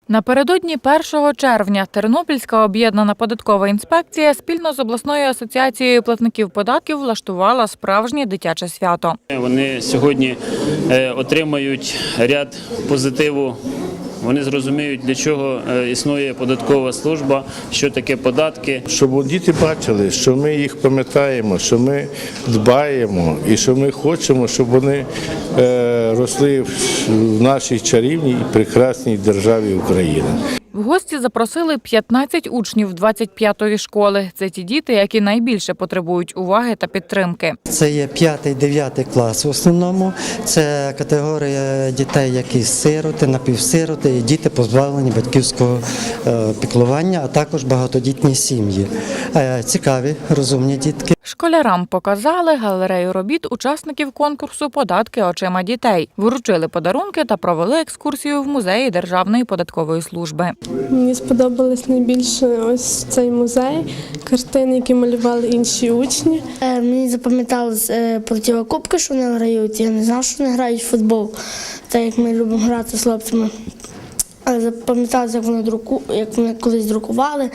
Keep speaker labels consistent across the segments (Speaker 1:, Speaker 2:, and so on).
Speaker 1: Напередодні 1 червня Тернопільська об'єднана податкова інспекція спільно з обласною асоціацією платників податків влаштувала справжнє дитяче свято.
Speaker 2: Вони сьогодні отримають ряд позитиву. Вони зрозуміють, для чого існує податкова служба, що таке податки.
Speaker 3: Щоб діти бачили, що ми їх пам'ятаємо, що ми дбаємо і що ми хочемо, щоб вони росли в нашій чарівній і прекрасній державі Україна.
Speaker 1: В гості запросили 15 учнів 25-ї школи. Це ті діти, які найбільше потребують уваги та підтримки.
Speaker 4: Це є 5-9 клас в основному. Це категорія дітей, які сироти, напівсироти і діти позбавлені батьківського піклування, а також багатодітні сім'ї. Цікаві, розумні дітки.
Speaker 1: Школярам показали галерею робіт учасників конкурсу «Податки очима дітей». Вручили подарунки та провели екскурсію в музеї Державної податкової служби.
Speaker 5: Мені сподобалось найбільше ось цей музей, картини, які малювали інші учні.
Speaker 6: Мені запам'яталось противокубки, що вони грають. Я не знав, що вони грають в футбол, так як ми любимо грати з хлопцями. Запам'яталося, як вони колись друкували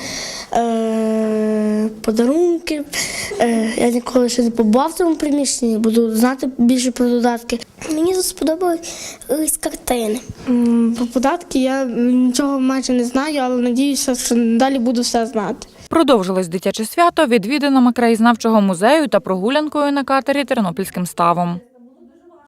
Speaker 6: подарунки. Я ніколи ще не побував в цьому приміщенні, буду знати більше про додатки.
Speaker 7: Мені сподобались картини.
Speaker 5: Про податки я нічого майже не знаю, але сподіваюся, що далі буду все знати.
Speaker 1: Продовжилось дитяче свято відвідинами краєзнавчого музею та прогулянкою на катері Тернопільським ставом.